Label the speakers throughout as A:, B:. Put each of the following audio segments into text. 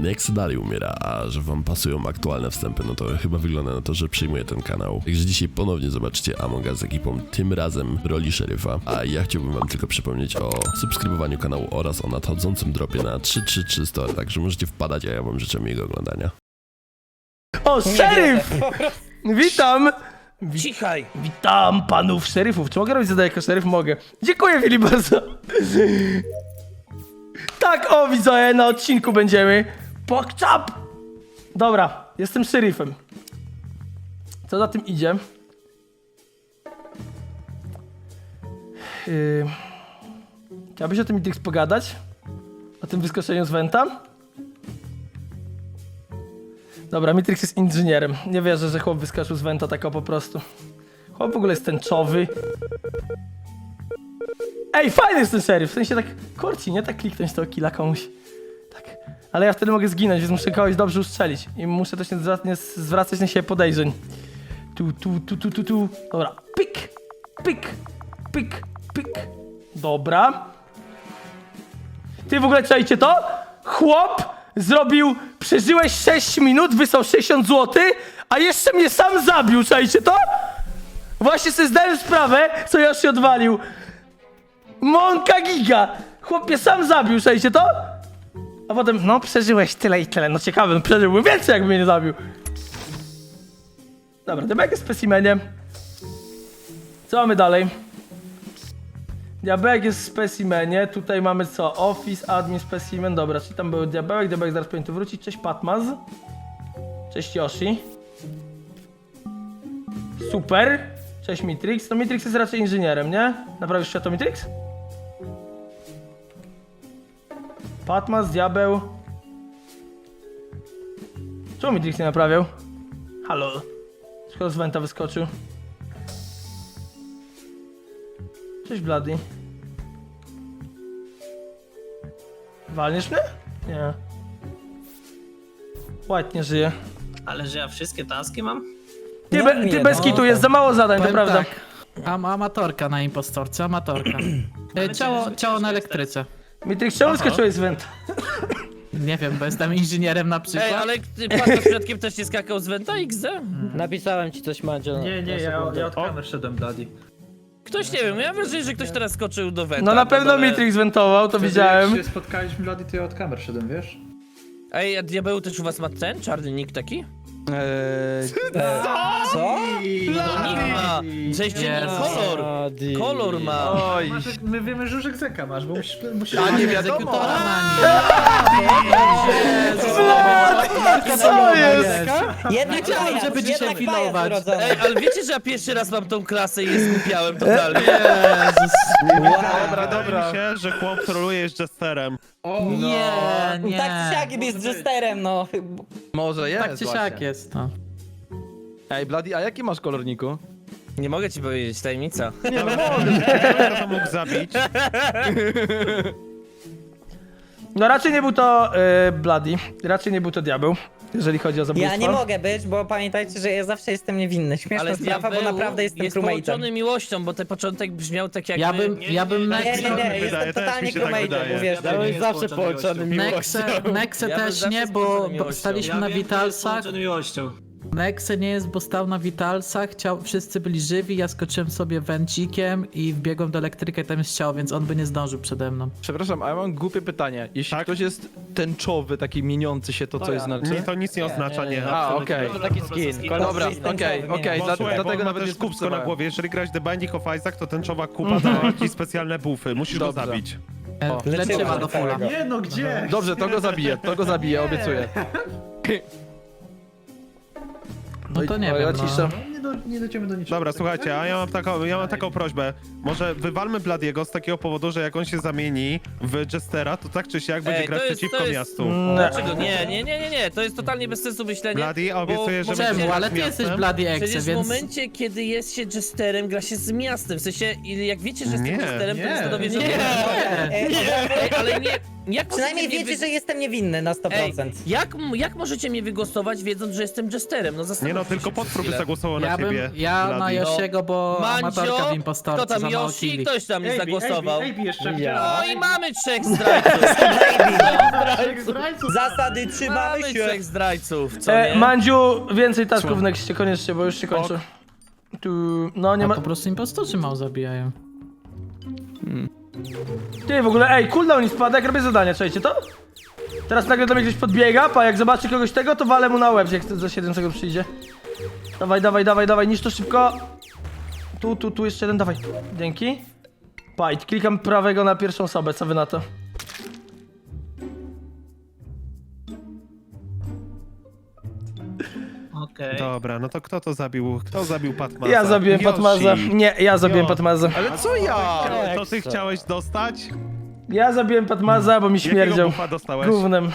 A: Nex dalej umiera, a że wam pasują aktualne wstępy, no to chyba wygląda na to, że przyjmuję ten kanał. Także dzisiaj ponownie zobaczycie Among Us z ekipą, tym razem w roli szeryfa. A ja chciałbym wam tylko przypomnieć o subskrybowaniu kanału oraz o nadchodzącym dropie na 333 także możecie wpadać, a ja wam życzę miłego oglądania.
B: O, szeryf! Witam!
C: Cichaj!
B: Witam panów szeryfów. Czy mogę robić zadanie jako szeryf? Mogę. Dziękuję, Filip, bardzo. Tak, o, widzowie, na odcinku będziemy. Pokczap! Dobra, jestem szeryfem. Co za tym idzie? Chciałbyś o tym Mitrix pogadać? O tym wyskoczeniu z Venta? Dobra, Mitrix jest inżynierem. Nie wierzę, że chłop wyskoczył z Venta tak o po prostu. Chłop w ogóle jest tęczowy. Ej, fajny jest ten szeryf, w sensie tak korci, nie? Tak kliknąć tego killa komuś. Tak. Ale ja wtedy mogę zginąć, więc muszę kogoś dobrze ustrzelić. I muszę też nie zwracać na siebie podejrzeń. Tu. Dobra, pyk, pyk, pyk, pyk. Dobra. Ty w ogóle czajcie to? Chłop zrobił, przeżyłeś 6 minut, wysłał 60 zł, a jeszcze mnie sam zabił, czajcie to? Właśnie sobie zdałem sprawę, co ja się odwalił. Monka giga! Chłop mnie sam zabił, czajcie to? A potem, no przeżyłeś tyle i tyle, no ciekawe, no przeżyłbym więcej, jakby mnie nie zabił. Dobra, Diabełek jest w specimenie. Co mamy dalej? Diabełek jest w specimenie, tutaj mamy co? Office, admin, specimen, dobra, czyli tam był Diabełek zaraz powinien tu wrócić. Cześć Patmaz. Cześć Yoshi. Super. Cześć Mitrix. No Mitrix jest raczej inżynierem, nie? Naprawisz światło Mitrix? Patmaz, Diabeł. Czemu Mitrix nie naprawiał? Halo. Skoro z Venta wyskoczył. Cześć Bloody. Walniesz mnie? Nie. White nie żyje.
C: Ale że ja wszystkie taski mam?
B: Ty bez kitu, jest za mało zadań, to
D: Powiem
B: prawda.
D: tak, amatorka na impostorce, amatorka. Ciało na elektryce.
B: Mitrix, czemu wyskoczyłeś z Venta?
D: Nie wiem, bo jestem inżynierem na przykład.
C: Ej, ale ty pan przypadkiem też nie skakał z Venta XD?
E: Napisałem ci coś, Madzio.
F: Nie, ja od kamer szedłem, Daddy.
C: Ktoś nie wiem, ja mam wrażenie, że ktoś teraz skoczył do Venta.
B: No na pewno
C: dole.
B: Mitrix wentował, to
F: Jak
B: widziałem.
F: się spotkaliśmy, Daddy, to ja od kamer szedłem, wiesz?
C: Ej, a Diabeł też u was ma ten czarny nick taki?
E: Co?
C: No nick ma! Cześć,
D: Jezus.
C: kolor! Kolor ma!
F: Oj. My wiemy, że już Zeka masz, bo musisz...
D: A nie wiadomo.
B: Co jest?
E: Jednak
D: Wiedziałem, żeby dzisiaj pilnować.
C: Ej, ale wiecie, że ja pierwszy raz mam tą klasę i je zgubiałem totalnie?
G: Dobra. Mi się, że chłop troluje jest jesterem.
D: Nie.
E: Tak czy siak jest jesterem, no.
H: Może jest
D: Tak czy siak jest, no.
H: Ej, Bloody, a jaki masz kolorniku?
C: Nie mogę ci powiedzieć, tajemnica.
G: Nie no, kto to mógł zabić?
B: No raczej nie był to Bloody, raczej nie był to Diabeł, jeżeli chodzi o zabójstwo.
E: Ja nie mogę być, bo pamiętajcie, że ja zawsze jestem niewinny. Śmieszna
C: Ale
E: sprawa, bo
C: Diabeł
E: naprawdę jestem
C: jest
E: crewmate'em.
C: połączony miłością, bo ten początek brzmiał tak jak...
D: Ja bym
E: Nie,
G: wydaje,
E: jestem
G: też
E: totalnie
G: mi się tak
E: crewmate'em,
G: wydaje.
E: uwierzcie
F: Ja
E: mi.
F: bym zawsze połączony
D: Nexe
C: Ja bym
D: też
C: zawsze
D: nie,
C: z
D: bo
C: połączoną miłością.
D: staliśmy na Vitalsach. Nexe nie jest, bo stał na Vitalsach, wszyscy byli żywi, ja skoczyłem sobie węcikiem i wbiegłem do elektryka i tam jest ciało, więc on by nie zdążył przede mną.
H: Przepraszam, a ja mam głupie pytanie. Jeśli
G: Tak?
H: ktoś jest tęczowy, taki mieniący się, to co jest znaczy?
G: To nic nie oznacza, nie.
H: A, okej.
E: Taki skin.
H: Dobra, okej,
G: Bo słuchaj,
H: dlatego
G: bo ma
H: nawet
G: też
H: nie
G: kubsko na
H: spuszczałem.
G: głowie. Jeżeli grać The Binding of Isaac, to tęczowa kupa daje ci specjalne buffy. Musisz go
H: Dobrze.
G: zabić.
D: Leczyła do fulla.
F: Nie no, gdzie?
H: Dobrze, to go zabiję, obiecuję.
D: No to nie
H: ja
D: wiem,
H: ciszę.
D: no.
F: Nie dojdziemy do niczego.
G: Dobra, słuchajcie, a ja mam taką prośbę. Może wywalmy Bladiego z takiego powodu, że jak on się zamieni w Jestera, to tak czy siak będzie
C: Ej,
G: grać
C: to jest-
G: przeciwko
C: to jest-
G: miastu.
C: Dlaczego? Nie, to jest totalnie bez sensu myślenie.
G: Bloody, a obiecuję, że
C: bo-
G: będzie
D: Czemu?
G: grać
D: Ale
G: z
D: ty jesteś
G: miastem.
D: Bloody Exe,
C: Przecież w
D: więc...
C: momencie, kiedy jest się jesterem, gra się z miastem. W sensie, jak wiecie, że jestem
G: Nie,
C: jesterem, to
F: nie,
C: niestety że...
E: Nie.
C: Ej, ale nie... Jak
E: Przynajmniej
C: możecie mnie
E: wiecie, że jestem niewinny na 100%.
C: Ej, jak możecie mnie wygłosować, wiedząc, że jestem jesterem? No
G: Nie
C: zastanówcie
G: no, tylko
C: się
G: potwór by
C: przez chwilę.
G: zagłosował na ciebie.
D: Ja na
G: Bloody.
D: Yoshiego, bo amatorka w
C: Mandzio,
D: impostorce
C: kto tam
D: za mało
C: Yoshi?
D: killi.
C: Ktoś tam nie zagłosował.
F: AB jeszcze
C: No i mamy 3 zdrajców.
E: Zasady trzymamy
C: Mamy
E: się.
C: 3 zdrajców, co nie?
B: Mandziu, więcej tasków w nexcie, koniecznie, bo już się kończy. Tu, no nie
D: A
B: ma...
D: po prostu impostorzy mało zabijają.
B: Ty, w ogóle, ej, cooldown mi spada, jak robię zadania, czujecie to? Teraz nagle do mnie ktoś podbiega, pa, jak zobaczy kogoś tego, to walę mu na łeb, jak za 7 sekund przyjdzie. Dawaj, niszcz to szybko. Tu, jeszcze jeden, dawaj. Dzięki. Pa, i klikam prawego na pierwszą osobę, co wy na to?
F: Okej.
G: Dobra, no to kto to zabił? Kto zabił Patmaza?
B: Ja zabiłem
G: Yoshi.
B: Patmaza. Nie, ja zabiłem
G: Jo.
B: Patmaza.
H: Ale co ja?
G: To ty chciałeś dostać?
B: Ja zabiłem Patmaza, bo mi
G: Jakiego
B: śmierdział.
G: bufa dostałeś?
B: Gównem.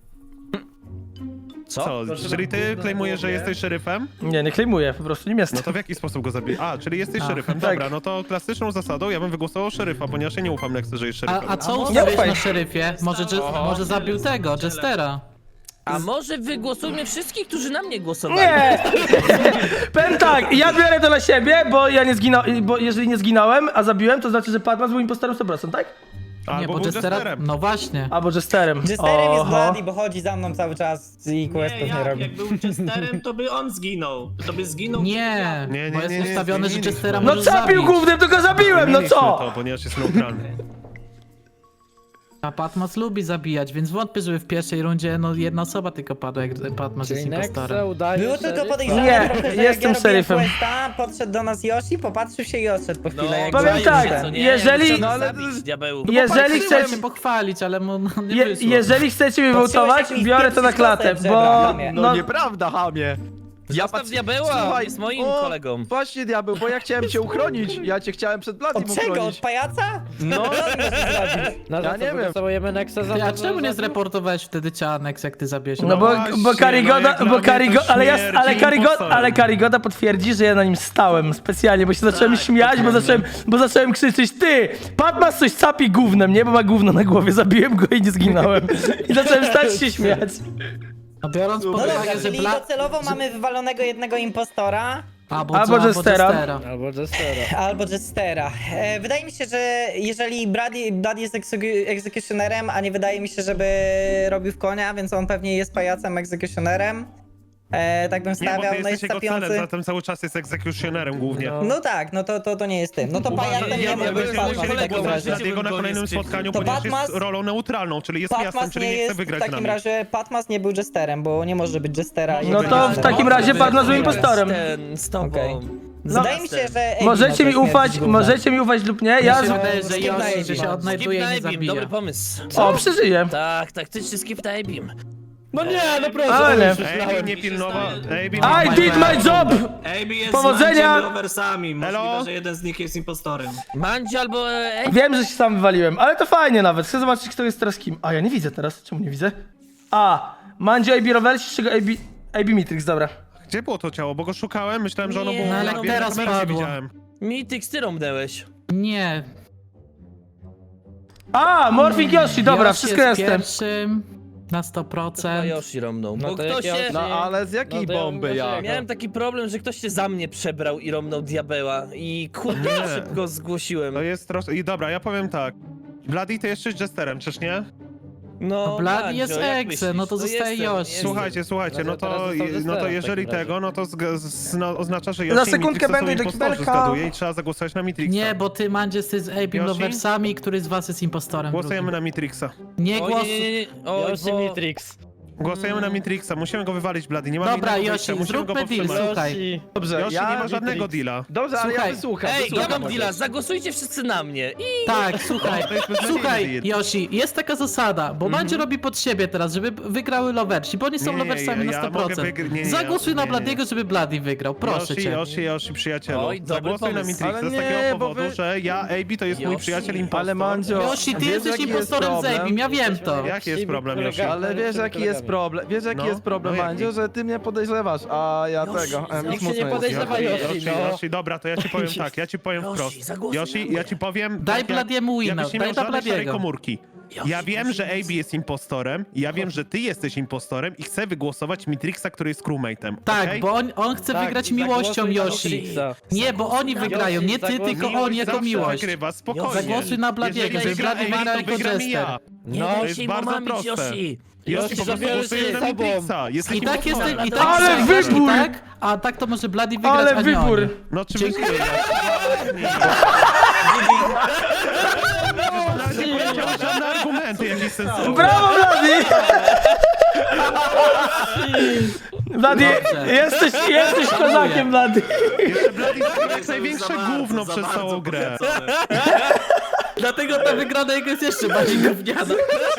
G: Co? Czyli ty klejmujesz, że jesteś szeryfem?
B: Nie klejmuję, po prostu nim
G: No
B: jestem.
G: to w jaki sposób go zabiłeś? A, czyli jesteś szeryfem.
B: tak.
G: Dobra, no to klasyczną zasadą ja bym wygłosował szeryfa, ponieważ ja nie ufam Nexy, że jest szeryfem.
D: A co
B: Nie
D: ustawiłeś
B: ufaj.
D: na szeryfie? Może zabił tego, Jestera.
C: A może wygłosujmy wszystkich, którzy na mnie głosowali?
B: Nie! Powiem tak, ja biorę to na siebie, bo ja nie zginąłem, bo jeżeli nie zginąłem, a zabiłem, to znaczy, że Patmas był impostorem 100%, tak?
G: Albo
D: Nie, bo
G: był
D: Jestera...
G: Jesterem.
D: No właśnie.
B: Albo Jesterem.
E: Jesterem jest
B: Oho.
E: Bloody, bo chodzi za mną cały czas i questów nie robi.
I: Jak był Chesterem, to by on zginął. To by zginął.
D: Nie,
G: Nie,
D: bo jest
G: nie,
D: ustawione, że
G: zmieniliśmy.
D: Jestera
B: No
D: możesz
B: zabił
D: zabić.
B: głównym, to go zabiłem, no
G: Zmieniliśmy
B: co?
G: to, ponieważ jest neutralny.
D: A Patmas lubi zabijać, więc wątpię, żeby w pierwszej rundzie jedna osoba tylko padła, jak Patmas jest impostorem.
E: Było tylko podejrzane
B: Nie,
E: trochę, że
B: jestem
E: jak ja robiłem
B: szeryfem.
E: questa, podszedł do nas Yoshi, popatrzył się i odszedł po chwilę. jak
B: powiem
E: zabił
B: tak,
E: ten.
C: Co nie?
B: jeżeli-
C: Ja
B: no
C: muszę
H: ale-
C: zabić diabeł.
B: Jeżeli
D: Chciałem
B: chcecie,
D: się pochwalić, ale mu nie wyszło.
B: jeżeli chcecie mnie wołtować,
E: jak mi
B: biorę to na
E: wpieprzyć
B: klatę,
E: kostę
B: bo...
E: przebrałem.
H: No nieprawda, hamie.
C: Zostaw diabeła,
H: Słuchaj,
C: jest moim
H: o,
C: kolegą.
H: Właśnie diabeł, bo ja chciałem cię uchronić. Ja cię chciałem przed Bladim
E: Od czego? Od
H: uchronić.
E: pajaca?
H: No, ja nie wiem.
D: Ty, a czemu nie zreportowałeś wtedy Cianex, jak ty zabiłeś?
B: No bo
G: właśnie,
B: Karigoda,
G: no jak dla
B: bo
G: mnie
B: Karigoda,
G: to
B: ale ja,
G: śmierć
B: ale Karigoda potwierdzi, że ja na nim stałem specjalnie, bo się zacząłem śmiać, bo zacząłem krzyczeć, ty, Patmas coś capi gównem, nie, bo ma gówno na głowie, zabiłem go i nie zginąłem. I zacząłem stać się śmiać.
D: No biorąc pod
E: No dobra,
D: uwagę, że
E: czyli docelowo mamy wywalonego jednego impostora
D: Albo Jestera.
E: albo Jestera. Wydaje mi się, że jeżeli Bloody jest egzekucjonerem, a nie wydaje mi się, żeby robił w konia, więc on pewnie jest pajacem egzekucjonerem. Tak bym
G: Nie, bo
E: stawiał,
G: ty
E: no
G: jesteś
E: jest
G: jego celem,
E: sapiący.
G: zatem cały czas jest egzekucjonerem głównie.
E: No tak, no to nie jest tym. No to pajacem
C: ja
E: nie
C: bym
E: może być
C: był
E: Patmas w
C: kolegą,
E: takim razie.
G: Dlatego na kolejnym spotkaniu,
E: To
G: ponieważ jest
E: Patmas-
G: rolą neutralną, czyli jest miastem,
E: Patmas
G: czyli
E: nie
G: nie chce
E: jest w
G: wygrać z
E: takim
G: nami.
E: razie, Patmas nie był Jesterem, bo nie może być Jestera. i
B: No
E: będzie
B: to w
E: Jesterem.
B: takim razie Patmas był impostorem.
C: Z tobą.
E: Okej.
C: No.
E: Wydaje mi się, że... Ej,
B: Możecie mi
E: no to
B: ufać,
E: śmierć gówna.
B: możecie mi ufać lub nie, ja...
D: Ja się wydaje, że
E: skip na
D: Yoshi, że
E: Abim.
D: się odnajduje i nie
C: Skip na Abim,
D: zabija.
C: dobry pomysł.
B: O, przeżyję.
C: Tak, taktyczny skip na Abim.
I: No nie, no proszę.
B: Ale...
G: Ej, nie pilnował. Ej,
B: I did my job!
I: AB jest
B: Powodzenia!
I: z rowersami.
G: Elo?
I: Możliwe, że jeden z nich jest impostorem.
C: Mandzio albo...
B: Wiem, że się sam wywaliłem, ale to fajnie nawet. Chcę zobaczyć, kto jest teraz kim. A, ja nie widzę teraz. Czemu nie widzę? A, Mandzio, AB Roversi, czego AB Mitrix, dobra.
G: Gdzie było to ciało? Bo go szukałem, myślałem, że ono
C: Nie,
G: było
C: no,
G: na
C: ale
G: kamerze,
D: teraz
G: nie
D: padło.
G: widziałem.
C: Mitix, ty rąbnęłeś.
D: Nie.
B: A, Morphing Yoshi, dobra,
D: Yoshi
B: wszystko
D: jest
B: jestem.
D: pierwszym na
C: A
D: 100%.
C: Yoshi rąbnął. Bo ktoś się...
H: No ale z jakiej bomby ja?
C: Miałem taki problem, że ktoś się za mnie przebrał i rąbnął diabeła. I kurde,
G: Nie.
C: szybko zgłosiłem.
G: To jest troszkę... I dobra, ja powiem tak. Bloody, ty jesteś Jesterem, czyż nie?
C: No,
D: Bloody
C: Mandzio,
D: jest
C: jak
D: Exe,
C: myślisz?
D: no to zostaje
C: jestem,
D: Yoshi.
C: jestem.
G: Słuchajcie, no to jeżeli tego, no to oznacza, że
B: Za
G: Yoshi i
B: sekundkę
G: Mitrix to są
B: będę do
G: impostorzy,
B: kibelka.
G: zgaduję i trzeba zagłosować na Mitrixa.
D: Nie, bo ty, Mandzie, jesteś z Abim
G: Yoshi?
D: Loversami, który z was jest impostorem
G: Głosujemy
D: drugim.
G: na Mitrixa.
D: Nie
C: O,
D: głos...
C: nie. O, bo...
G: Głosujemy na Mitrixa, musimy go wywalić, Bloody, nie mamy
D: Dobra,
G: innego
D: Yoshi,
G: wyjścia, musimy go
D: zróbmy deal,
G: powstrzymać.
D: słuchaj.
H: Dobrze,
G: Yoshi nie ma żadnego deala.
H: Dobrze, ale ja
D: Słuchaj.
H: wysłucham.
C: Ej, ja
H: wysłucham.
C: mam deala, zagłosujcie wszyscy na mnie. I...
D: Tak, słuchaj,
G: To jest beznadziejny
D: słuchaj,
G: deal.
D: Yoshi, jest taka zasada, bo Mandzie robi pod siebie teraz, żeby wygrały Loversi, bo oni są
G: Nie,
D: Loversami
G: ja
D: na
G: mogę
D: 100%.
G: nie,
D: Zagłosuj na
G: nie.
D: Bladiego, żeby Bloody wygrał, proszę cię.
G: Yoshi, przyjacielu.
C: Oj, dobry
G: Zagłosuj na
C: pomysł.
G: Mitrixa
H: Ale
G: z
H: nie,
G: takiego
H: bo
G: powodu,
H: wy-
G: że ja, AB to jest mój
C: Yoshi.
G: przyjaciel impostor.
H: Ale Mandzio,
D: Yoshi, ty
H: wiesz,
D: jesteś
H: jaki jest
D: impostorem z
H: problem?
D: Abim, ja wiem to.
G: Jaki jest problem, Yoshi?
H: Ale wiesz jaki jest problem,
G: No jaki?
H: Mandzio, że ty mnie podejrzewasz, a ja tego, nic mocno
G: Yoshi, dobra, to ja ci powiem tak, ja ci powiem
C: Yoshi,
G: wprost.
C: zagłosuj na
G: Yoshi,
C: mnie.
G: ja ci powiem...
D: Daj
G: tak,
D: Bladiemu wina,
G: jakbyś nie
D: daj
G: miał
D: dla
G: żadnej szarej
D: Bladiego.
G: komórki. Ja wiem, że AB jest impostorem, ja wiem, że ty jesteś impostorem i chcę wygłosować Mitrixa, który jest crewmate'em.
D: Tak,
G: okej?
D: bo on chce wygrać miłością, Yoshi. Nie, bo oni wygrają, nie ty, tylko on jako
G: zawsze
D: miłość.
G: wygrywa, spokojnie.
D: Zagłosuj na Bladiego,
G: Jeżeli
D: że Blady
G: wygra
D: wygra
G: AB,
D: jako
G: to wygram i
D: Jester.
G: ja.
C: Nie
G: to
C: daj
G: jest
C: się im
G: bardzo
C: omamić,
G: proste.
C: Yoshi.
G: Yoshi po prostu głosuje na Mitrixa. Jest
D: I tak jest,
G: impostorem.
D: i tak
B: Ale
D: wygrasz,
B: wybór!
D: tak? A tak to może Blady wygrać,
B: Ale
D: a nie
B: wybór!
D: oni.
G: No oczywiście. Nie powiedziałeś żadne argumenty jakieś sensowne.
B: Brawo, Blady! Blady,
D: Dobrze.
B: jesteś kozakiem, Blady.
G: Jeszcze Blady zrobił jak największe gówno przez całą grę.
D: Dlatego ta wygrana jego jest jeszcze bardziej gówniana.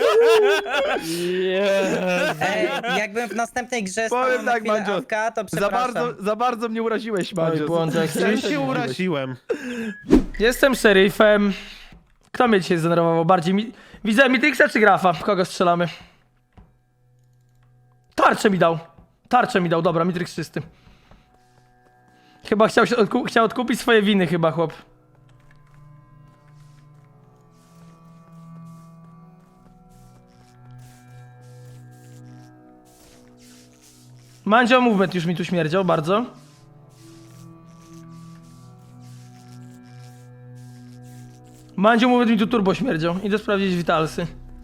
E: Jakbym w następnej grze
H: Powiem
E: stał na
H: tak,
E: chwilę
H: Mandzio,
E: AFK, to przepraszam.
H: Za bardzo mnie uraziłeś,
B: Oj,
H: Mandzio.
B: błądzek.
G: Ja się uraziłem.
B: Jestem szeryfem. Kto mnie dzisiaj zdenerwował bardziej? Widzę Mitrixa czy Grafa? W kogo strzelamy? Tarczę mi dał, dobra, Mitrix czysty. Chyba chciał odkupić swoje winy chyba, chłop. Mandzio movement już mi tu śmierdział bardzo. Mandzio movement mi tu turbo śmierdział. Idę sprawdzić witalsy.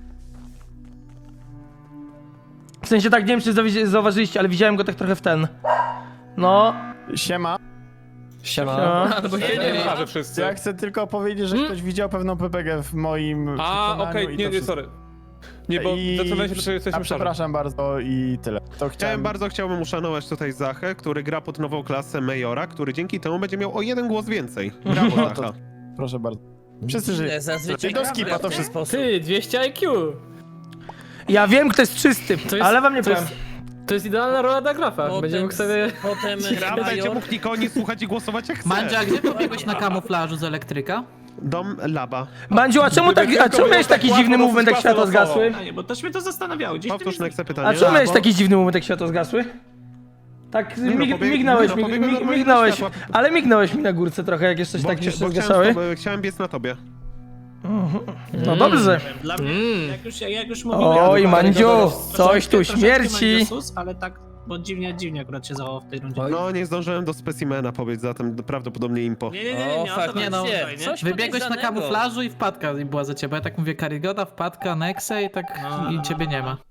B: W sensie tak, nie wiem czy zauważyliście, ale widziałem go tak trochę w ten. No.
H: Siema.
B: Siema.
H: Ja chcę tylko powiedzieć, że ktoś widział pewną PPG w moim
J: okej, nie, sorry. Nie, bo zastanawiam się, czy jesteśmy
H: przepraszam bardzo i tyle. To
G: Chciałbym uszanować tutaj Zachę, który gra pod nową klasę Majora, który dzięki temu będzie miał o 1 głos więcej. Brawo, Zacha.
H: Proszę bardzo. Wszyscy żyją.
C: Zazwyczaj
H: Do
C: gra
H: skipa
C: w
H: to
C: ten
H: wszystko.
C: sposób.
F: 200 IQ.
B: Ja wiem, kto jest czysty, ale wam nie powiem.
F: To jest idealna rola dla grafa.
C: Potem,
F: Będzie mógł sobie...
C: potem
G: Gra będzie
C: Major.
G: mógł nikogo nie słuchać i głosować jak chce.
D: Mandzia, gdzie pobiegłeś na kamuflażu z elektryka?
G: Dom Laba.
B: Mandziu, a czemu miałeś taki dziwny movement, jak światła zgasły?
I: A nie, bo też mnie to zastanawiało. Gdzieś
G: Powtórz na
B: A
G: pytanie.
B: czemu miałeś taki dziwny moment, jak światła zgasły? Tak, mignąłeś, ale mignąłeś mi na górce trochę, jak jeszcze się tak jeszcze zgaszały.
G: Chciałem biec na tobie.
B: No dobrze.
I: Dla mnie, jak już mówiłem...
B: Oj, Mandziu, coś tu
I: troszeczkę
B: śmierci.
I: Mandziusus, ale tak, bo dziwnie akurat się zachował w tej rundzie.
G: No, nie zdążyłem do specimena pobiec, zatem prawdopodobnie impo.
I: Nie,
C: O,
I: to
C: fakt,
D: nie no,
C: faktycznie. Coś
D: Wybiegłeś na
C: podejrzanego.
D: kamuflażu i wpadka była za ciebie. Ja tak mówię, Karygoda, wpadka, Nexe i tak i ciebie nie ma.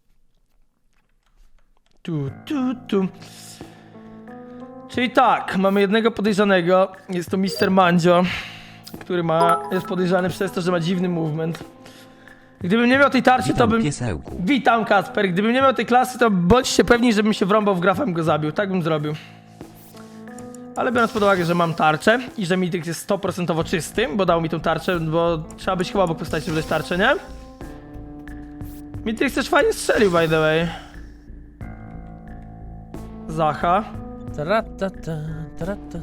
B: Tu. Czyli tak, mamy jednego podejrzanego, jest to Mr. Mandzio, który jest podejrzany przez to, że ma dziwny movement. Gdybym nie miał tej tarczy, to bym... Witam, Kacper. Gdybym nie miał tej klasy, to bądźcie pewni, żebym się wrąbał w grafem, go zabił. Tak bym zrobił. Ale biorąc pod uwagę, że mam tarczę i że Mitrix jest 100% czysty, bo dał mi tą tarczę, bo trzeba być chyba obok postaci, żeby dać tarczę, nie? Mitrix też fajnie strzelił, by the way. Zacha.
C: Taratata, taratata.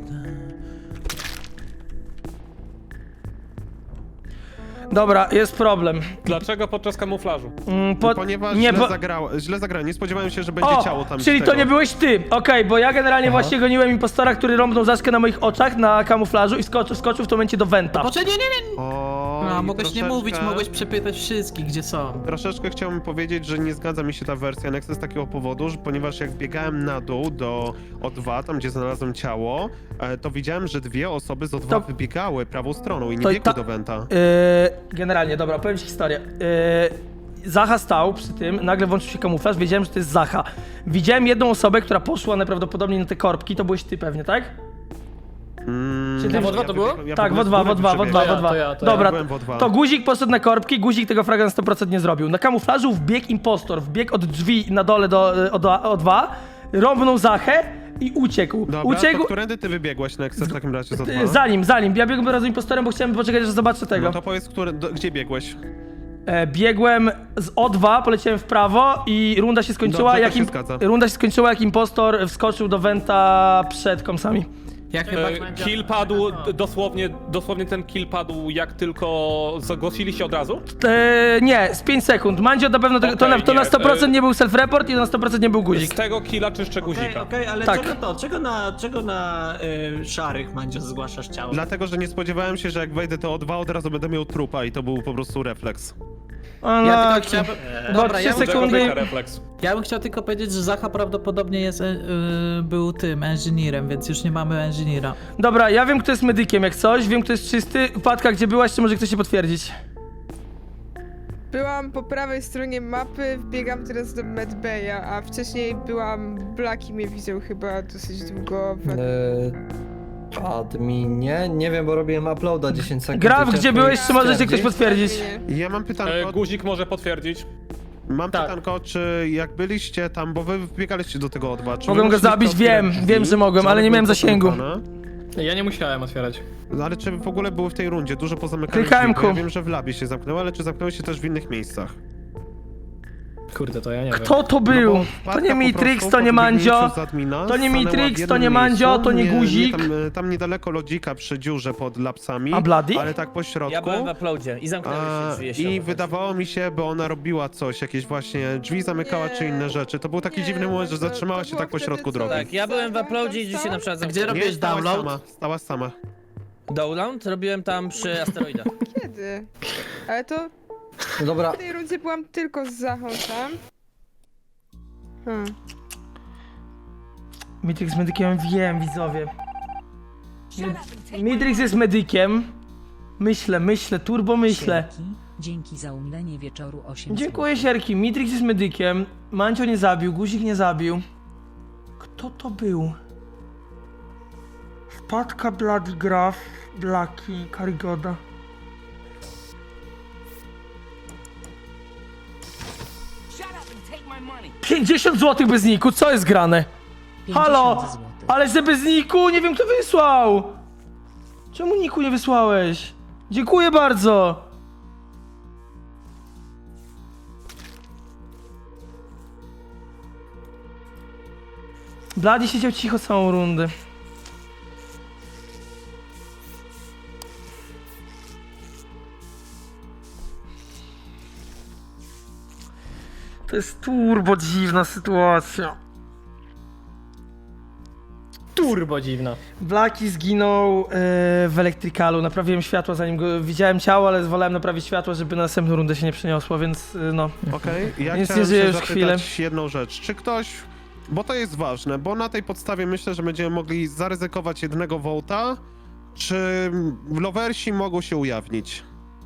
B: Dobra, jest problem.
J: Dlaczego podczas kamuflażu?
G: Ponieważ źle zagrałem. Nie spodziewałem się, że będzie ciało tam.
B: Czyli
G: z
B: to
G: tego.
B: nie byłeś ty. Okej, bo ja generalnie właśnie goniłem impostora, który rąbnął Zaszkę na moich oczach na kamuflażu i skoczył w tym momencie do Venta.
D: Poczekaj, nie.
G: O,
D: A,
G: i
D: mogłeś nie mówić, mogłeś przepytać wszystkich, gdzie są.
G: Troszeczkę chciałbym powiedzieć, że nie zgadza mi się ta wersja Nexa z takiego powodu, że ponieważ jak biegałem na dół do O2, tam gdzie znalazłem ciało, to widziałem, że 2 osoby z O2 wybiegały prawą stroną i nie
B: to-
G: biegły
B: ta-
G: do Venta.
B: Generalnie, dobra, powiem ci historię. Zacha stał przy tym, nagle włączył się kamuflaż, wiedziałem, że to jest Zacha. Widziałem jedną osobę, która poszła najprawdopodobniej na te korbki, to byłeś ty pewnie, tak? Czy ty...
F: w O2 to było?
B: Tak, w
G: byłem
B: O2,
G: z góry przebiegłem.
F: To ja.
B: Dobra,
G: byłem w O2.
B: to guzik poszedł na korbki, guzik tego fraga na 100% nie zrobił. Na kamuflażu wbiegł impostor, wbiegł od drzwi na dole do O2, rąbnął Zachę i uciekł.
G: Dobra, to którędy ty wybiegłeś Nexa w takim razie z O2?
B: Zanim. Ja biegłem razem z impostorem, bo chciałem poczekać, aż zobaczę tego.
G: No to powiedz, gdzie biegłeś?
B: Biegłem z O2, poleciałem w prawo i runda się skończyła,
G: Dobrze, to się zgadza.
B: runda się skończyła, jak impostor wskoczył do Venta przed komsami.
D: Ja chyba...
J: Kill padł, dosłownie ten kill padł jak tylko zagłosiliście od razu?
B: Nie, z 5 sekund. Mandzio na pewno to na
J: nie,
B: 100% nie był self-report i na 100% nie był guzik.
J: Z tego killa czyszczę guzika.
I: Okej, ale
B: Tak.
I: czego na szarych Mandzio zgłaszasz ciało?
G: Dlatego, że nie spodziewałem się, że jak wejdę to O2, od razu będę miał trupa i to był po prostu refleks.
D: Ja
B: Unlucky.
D: tylko chciałbym...
B: Bo
D: Dobra,
B: 3
D: ja bym,
B: sekundy.
J: refleks.
D: ja bym chciał tylko powiedzieć, że Zacha prawdopodobnie jest, był tym, engineerem, więc już nie mamy engineera.
B: Dobra, ja wiem, kto jest medykiem jak coś, wiem, kto jest czysty. Patka, gdzie byłaś, czy może ktoś się potwierdzić?
K: Byłam po prawej stronie mapy, wbiegam teraz do Medbaya, a wcześniej byłam... Blaki mnie widział chyba dosyć długo.
L: Adminie? Nie wiem, bo robiłem uploada 10 sekund.
B: Graf,
L: i
B: gdzie
L: ciężko
B: byłeś,
L: mi
B: czy możecie ktoś
L: stwierdzić.
B: potwierdzić?
G: Ja mam pytanko,
J: Guzik może potwierdzić.
G: mam pytanko, czy jak byliście tam, bo wy wbiegaliście do tego O2, czy
B: Mogłem
G: wy
B: go
G: musieliście
B: zabić,
G: otwierać
B: wiem,
G: drzwi?
B: wiem, że mogłem,
G: Czy
B: ale
G: one
B: nie miałem
G: były
B: zasięgu.
G: pozamykane?
F: Ja nie musiałem otwierać.
G: No ale czy w ogóle były w tej rundzie dużo pozamykanych
B: Klikałem
G: drzwi? Bo ja
B: ku.
G: wiem, że w labie się zamknęły, ale czy zamknęły się też w innych miejscach?
F: Kurde, to ja nie wiem.
B: Kto to
G: No
B: był?
G: bo
B: To
G: wpadka
B: nie
G: po
B: Mitrix,
G: prostu
B: to nie
G: po
B: Mandzio.
G: wbiegnięciu z admina
B: To nie
G: stanęła w
B: Mitrix, to
G: jednym
B: nie Mandzio,
G: miejscu,
B: to nie Guzik.
G: Tam niedaleko lodzika przy dziurze pod lapsami.
B: A Bloody?
G: Ale tak po środku.
C: Ja byłem w uploadzie i zamknęły się drzwi. jeśli
G: I
C: o to
G: wydawało mi się, by ona robiła coś, jakieś właśnie drzwi zamykała czy inne rzeczy. To był taki
K: Nie,
G: dziwny moment, że
K: to
G: zatrzymała się
K: było
G: tak po
K: wtedy
G: środku
K: co?
G: drogi.
C: Tak, ja byłem w uploadzie i dzisiaj na przykład
D: Gdzie
C: zamknęły.
D: robiłeś
G: stałaś
D: download?
G: sama, stałaś sama.
C: Download robiłem tam przy asteroidach.
K: Kiedy? Ale to
L: Dobra,
K: w tej rundzie byłam tylko z Zachą tam.
B: Mitrix z medykiem, wiem, widzowie. Mitrix jest medykiem. Myślę, turbo myślę.
M: Dzięki za umilenie wieczoru 8
B: Dziękuję, Sierki. Mitrix jest medykiem. Mancio nie zabił, Guzik nie zabił. Kto to był? Wpadka, Bloody, Graf, Blaki, Karigoda. $50 zł bez niku, co jest grane? Halo! Ale że bez niku, nie wiem kto wysłał! Czemu niku nie wysłałeś? Dziękuję bardzo! Bloody siedział cicho całą rundę. To jest turbo dziwna sytuacja.
F: Turbo dziwna.
B: Blaki zginął w elektrykalu. Naprawiłem światło zanim go widziałem ciało, ale wolałem naprawić światło, żeby na następną rundę się nie przeniosło, więc no.
G: Okej, ja
B: Więc
G: chciałem
B: nie żyję
G: się
B: już
G: zapytać
B: chwilę.
G: jedną rzecz. Czy ktoś, bo to jest ważne, bo na tej podstawie myślę, że będziemy mogli zaryzykować jednego wołta, czy lowersi mogą się ujawnić?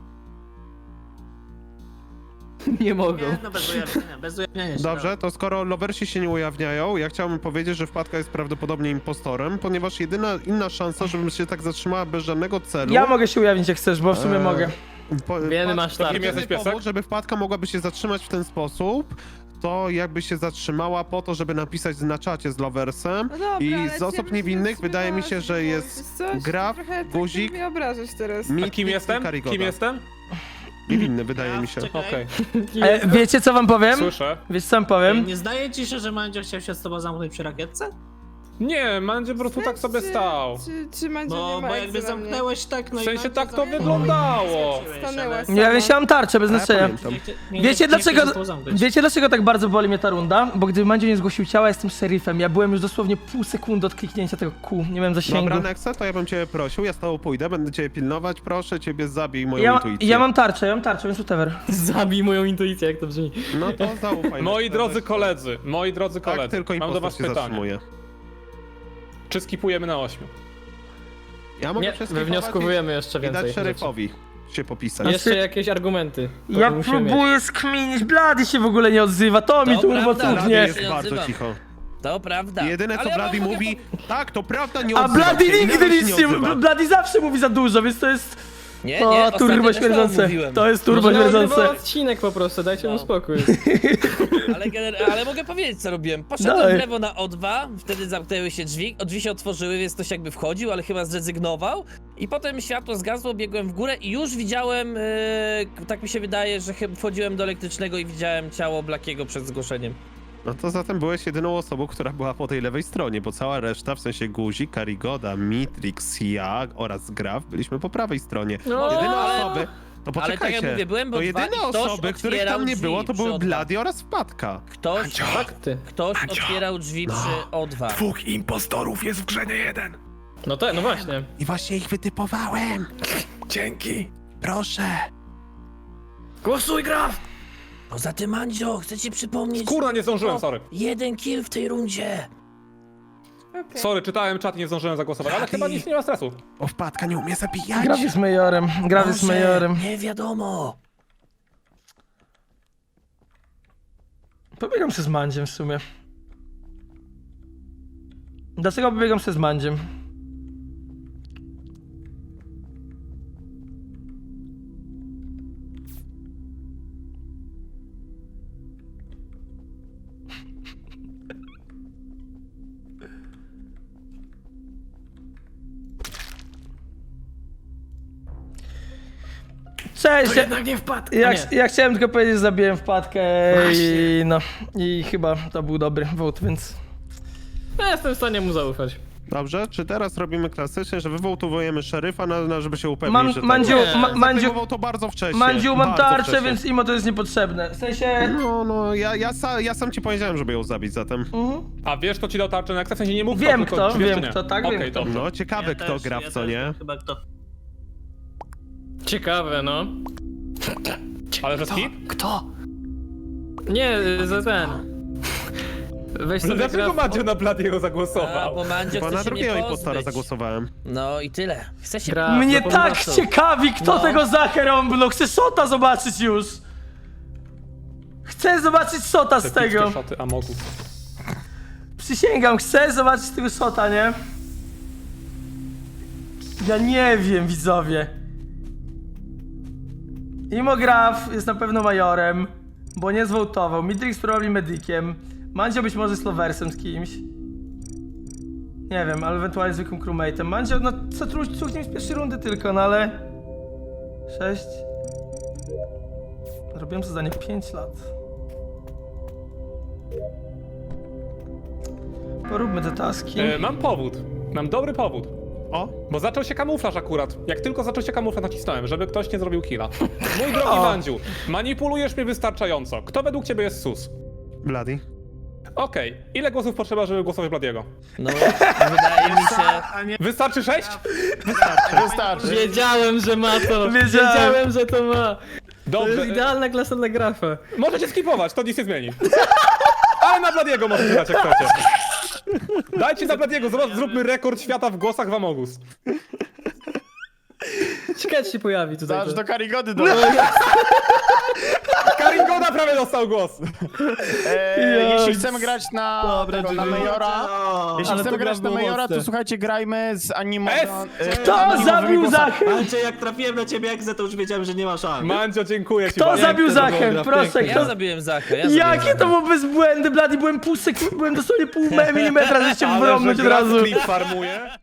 F: Nie mogą.
I: No bez ujawniania się.
G: Dobrze, to skoro lowersi się nie ujawniają, ja chciałbym powiedzieć, że Wpadka jest prawdopodobnie impostorem, ponieważ jedyna inna szansa, żebym się tak zatrzymała bez żadnego celu...
B: Ja mogę się ujawnić jak chcesz, bo w sumie mogę.
F: Wiemy, masz
J: To kim
F: tarczę.
J: jesteś, piesek?
G: powód, żeby Wpadka mogłaby się zatrzymać w ten sposób, to jakby się zatrzymała po to, żeby napisać na czacie z loversem.
K: No dobra,
G: I
K: ale
G: z
K: ja
G: osób
K: bym się
G: niewinnych
K: zatrzymała,
G: wydaje mi się, że
K: bo
G: jest
K: wiesz co,
G: Graf,
K: trochę tak
G: Guzik,
K: mnie obrażasz teraz.
J: A
G: Mitrix
J: kim
G: i
J: jestem?
G: Karigoda.
J: Kim jestem?
G: Niewinny, wydaje mi się.
J: Okej,
B: Wiecie co wam powiem?
J: słyszę.
B: Wiecie co wam powiem?
I: Nie zdaje ci się, że Mandzio chciał się z tobą zamknąć przy rakietce?
J: Nie, Mandzie po prostu tak sobie stał.
K: Czy Mandzio nie
I: Bo
K: ma
I: jakby
K: egzy na mnie?
I: zamknęłeś tak, no
J: W
I: i
J: sensie
I: Mandzio
J: tak to
I: zamknął.
J: wyglądało.
K: Stanęła
I: ale-
B: Ja wisiałam tarczę bez
G: A ja
B: znaczenia.
G: pamiętam.
B: Wiecie dlaczego,
I: Zamknąć.
B: wiecie dlaczego tak bardzo boli mnie ta runda? Bo gdyby Mandzio nie zgłosił ciała, jestem szeryfem. Ja byłem już dosłownie pół sekundy od kliknięcia tego kół. Nie miałem zasięgu.
G: Dobra, Nexe, to ja bym cię prosił, ja z tobą pójdę, będę cię pilnować, proszę, ciebie zabij moją intuicję.
B: Ja mam tarczę, więc whatever.
F: Zabij moją intuicję, jak to brzmi.
G: No to zaufaj.
J: Moi
G: Nexe,
J: drodzy
G: weź-
J: koledzy,
G: Tak, tylko
J: mam do
G: impostor
J: was
G: się
J: pytanie.
G: zatrzymuje.
J: Czy skipujemy na 8?
G: Ja mogę
F: Nie,
G: wszystkich
F: wywnioskujemy jeszcze
G: i
F: więcej
G: dać
F: rzeczy.
G: szeryfowi się popisać.
F: Jeszcze jakieś argumenty. to
B: Ja
F: musimy mieć.
B: próbuję skminić, Blady się w ogóle nie odzywa, to mi
C: To
B: turbo
C: prawda,
G: Blady
B: cudnie.
G: jest
C: Nie
G: bardzo
C: odzywam.
G: cicho.
C: To prawda.
G: Jedyne co
C: Ale ja
G: Blady
C: mogę
G: mówi, tak, to prawda, nie
B: A
G: odzywa
B: Blady
G: się,
B: nigdy
G: inaczej
B: nic nie
G: odzywa.
B: mówi, Blady zawsze mówi za dużo, więc to jest...
C: Nie,
B: O,
C: ostatnio
B: turbo
C: też to
B: śmierdzące.
C: mówiłem.
B: To jest turbo
F: Może nagrywa
B: śmierdzące.
F: odcinek po prostu, dajcie mu
C: No.
F: spokój.
C: Ale mogę powiedzieć, co robiłem. Poszedłem
B: Daj.
C: w lewo na O2, wtedy zamknęły się drzwi się otworzyły, więc ktoś jakby wchodził, ale chyba zrezygnował. I potem światło zgasło, biegłem w górę i już widziałem, tak mi się wydaje, że wchodziłem do elektrycznego i widziałem ciało Blackiego przed zgłoszeniem.
G: No to zatem byłeś jedyną osobą, która była po tej lewej stronie, bo cała reszta, w sensie Guzik, Karigoda, Mitrix, ja oraz Graf byliśmy po prawej stronie.
F: No,
G: Jedyne
C: ale-
G: osoby, to
C: ale tak jak
G: poczekajcie,
C: mówię, byłem, bo
G: to jedyne
C: ktoś
G: osoby, których
C: otwierał
G: tam nie
C: drzwi
G: było, to
C: przy
G: były
C: O2.
G: Blady oraz Wpadka.
F: Fakty.
C: Ktoś otwierał drzwi przy O2.
A: Dwóch impostorów jest w grze, nie jeden.
F: No tak, no właśnie.
G: I właśnie ich wytypowałem.
A: Dzięki.
G: Proszę.
F: Głosuj, Graf!
C: Poza tym, Mandzio, chcę ci przypomnieć...
J: Kurna, nie zdążyłem, sorry.
C: 1 kill w tej rundzie.
J: Sorry, czytałem czat i nie zdążyłem zagłosować, ale chyba nic nie ma stresu.
G: O, wpadka nie umie zabijać.
B: Graf jest majorem, Graf jest
C: Może,
B: majorem.
C: nie wiadomo.
B: Pobiegam się z Mandziem w sumie. Dlaczego pobiegam się z Mandziem? Cześć!
F: Jednak nie wpadł.
B: Ja chciałem tylko powiedzieć, że zabiłem wpadkę i no. I chyba to był dobry vote, więc...
F: Ja jestem w stanie mu zaufać.
G: Dobrze, czy teraz robimy klasycznie, że wywołtowujemy szeryfa, żeby się upewnić, że
B: Mandziu, Mandziu,
G: zaklejmował to bardzo wcześnie.
B: Mandziu, mam
G: bardzo
B: tarczę,
G: wcześnie.
B: więc imo to jest niepotrzebne. W sensie...
G: No, ja sam ci powiedziałem, żeby ją zabić zatem.
J: A wiesz, kto ci dał tarczę na w sensie nie mów
B: Wiem
J: kto, tylko
B: kto,
J: czy wiesz,
B: wiem
J: czy nie?
B: kto, tak,
J: Okej,
B: wiem kto.
J: dobrze.
G: No, ciekawe kto gra w co, nie?
I: Chyba kto.
F: Ciekawe, no.
J: Ale że skip?
F: Nie, za ten. Weź sobie
J: Dlaczego
F: Graf...
J: Mandzio na Bladiego
C: A,
J: zagłosował?
C: bo Mandzio
G: Bo
C: chce
G: na
C: się mnie
G: drugiego
C: pozbyć.
G: impostora zagłosowałem.
C: No i tyle. Chce się...
F: Gra-
B: Mnie
F: do
B: tak
F: pomysłu.
B: ciekawi, kto
C: No.
B: tego zacherąbnął. Chcę shota zobaczyć już. Chcę zobaczyć shota z
J: Te
B: tego.
J: pickie shoty Amogu.
B: Przysięgam, chcę zobaczyć tego shota, nie? Ja nie wiem, widzowie. Imo Graf jest na pewno majorem, bo nie zwołtował. Mitrix probably medykiem. Mandzio być może slowersem z kimś. Nie wiem, ale ewentualnie zwykłym crewmate'em. Mandzio, no co truchnie z pierwszej rundy tylko, no ale... 6... Robiłem to zadanie 5 lat. Poróbmy te taski.
J: Mam powód. Mam dobry powód.
G: O,
J: Bo zaczął się kamuflaż akurat. Jak tylko zaczął się kamuflaż, nacisnąłem, żeby ktoś nie zrobił killa. Mój drogi Mandziu, manipulujesz mnie wystarczająco. Kto według ciebie jest sus?
G: Bloody.
J: Okej. Ile głosów potrzeba, żeby głosować Bladiego?
C: No, wydaje mi się...
J: Wystarczy 6?
H: Wystarczy.
F: Wiedziałem, że ma to.
B: Wiedziałem.
F: Wiedziałem, że to ma. To
J: Dobrze.
F: jest idealna klasa dla Grafa.
J: Możecie skipować, to nic nie zmieni. Ale na Bladiego możecie dać, jak chcecie. Dajcie na Bladiego, zróbmy rekord świata w głosach w Amogus.
F: Ciekawe, czy się pojawi tutaj.
H: Aż
F: to.
H: do Karigody do...
J: Karingoda prawie dostał głos.
H: Jeśli chcemy grać na Majora, jeśli
F: Ale
H: chcemy
F: to
H: grać na
F: było
H: Majora,
F: mocne.
H: to słuchajcie, grajmy z
B: Kto zabił Zachę?
I: Andrzej, jak trafiłem na ciebie egzę, to już wiedziałem, że nie ma szans.
J: Mandzio, dziękuję ci
B: Kto
J: bardzo.
B: zabił Zachę?
F: dobra,
B: Proszę,
C: Ja
B: kto...
C: zabiłem Zachę,
B: Jakie to było bezbłędy, Blady? Byłem pół sekundy, byłem dosłownie pół milimetra, że się
J: Ale
B: wrąbnąć
J: że
B: od razu.
J: Graf klip farmuje.